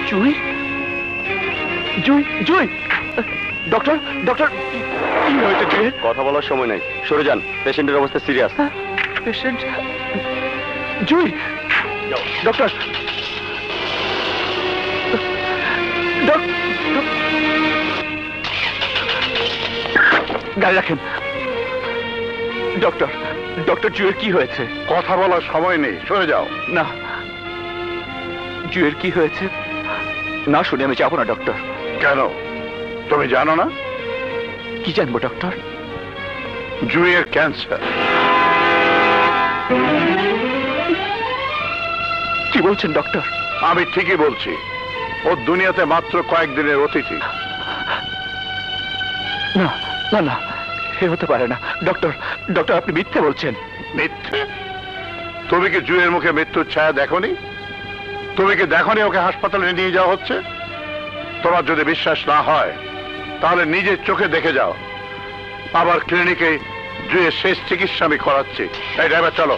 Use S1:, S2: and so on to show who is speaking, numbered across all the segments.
S1: জুই জুই জুই doctor doctor কি হয়েছে জুইয়ের?
S2: কথা বলার সময় নাই, সরে যান, পেশেন্টের অবস্থা সিরিয়াস।
S1: পেশেন্ট জুই ডক্টর গাড়ি রাখেন। ডক্টর ডক্টর জুয়ের কি হয়েছে?
S3: কথা বলার সময় নেই, সরে যাও।
S1: না, জুয়ের কি হয়েছে না শুনে আমি যাবো না ডক্টর।
S3: কেন, তুমি জানো না?
S1: কি জানবো ডক্টর?
S3: জুইয়ের ক্যান্সার।
S1: কি বলছেন ডক্টর?
S3: আমি ঠিকই বলছি, ও দুনিয়াতে মাত্র কয়েকদিনের অতিথি।
S1: না না না, এ হতে পারে না ডক্টর। ডক্টর আপনি মিথ্যে বলছেন।
S3: মিথ্যে? তুমি কি জুয়ের মুখে মৃত্যুর ছায়া দেখোনি? তুমি কি দেখোনি ওকে হাসপাতালে নিয়ে যাওয়া হচ্ছে? তোমার যদি বিশ্বাস না হয় তাহলে নিজের চোখে দেখে যাও। আবার ক্লিনিকে জুয়ের শেষ চিকিৎসা আমি করাচ্ছি। এই ড্রাইভার চলো।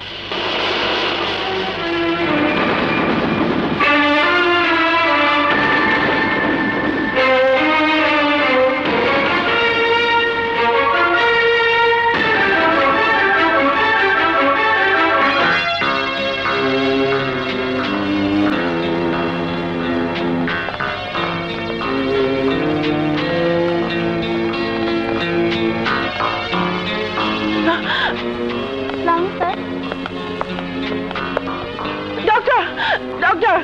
S4: Doctor doctor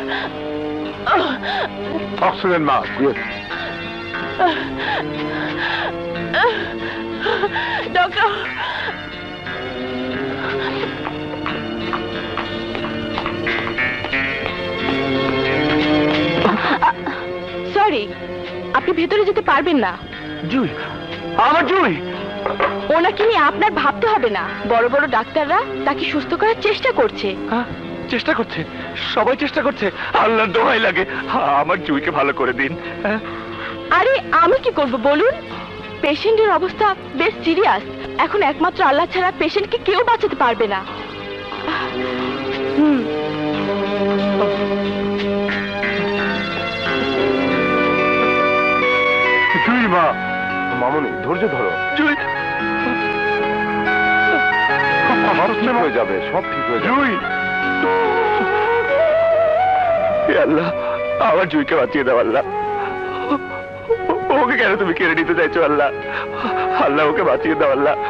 S3: oxygen mask.
S4: Doctor sorry, আপনি ভেতরে যেতে পারবেন না।
S1: জুই, আমার জুই।
S4: ওনাকে নিয়ে আপনার ভাবতে হবে না। বড় বড় ডাক্তাররা তাকে সুস্থ করার চেষ্টা করছে।
S1: হ্যাঁ, চেষ্টা করছে, সবাই চেষ্টা করছে। আল্লাহর দোহাই লাগে, আমার জুইকে ভালো করে দিন। হ্যাঁ,
S4: আরে আমি কি করব বলুন? পেশেন্টের অবস্থা বেশ সিরিয়াস। এখন একমাত্র আল্লাহ ছাড়া পেশেন্টকে কেউ বাঁচাতে পারবে না। হুম,
S3: জুই মা। মামনি ধৈর্য ধরো,
S1: জুই
S3: আমার ঠিক হয়ে যাবে, সব ঠিক হয়ে যাবে। জুই,
S1: হে আল্লাহ, আমার জুইকে বাঁচিয়ে দাও আল্লাহ। ওকে কেন তুমি কেড়ে নিতে চাইছো আল্লাহ? আল্লাহ ওকে বাঁচিয়ে দাও আল্লাহ।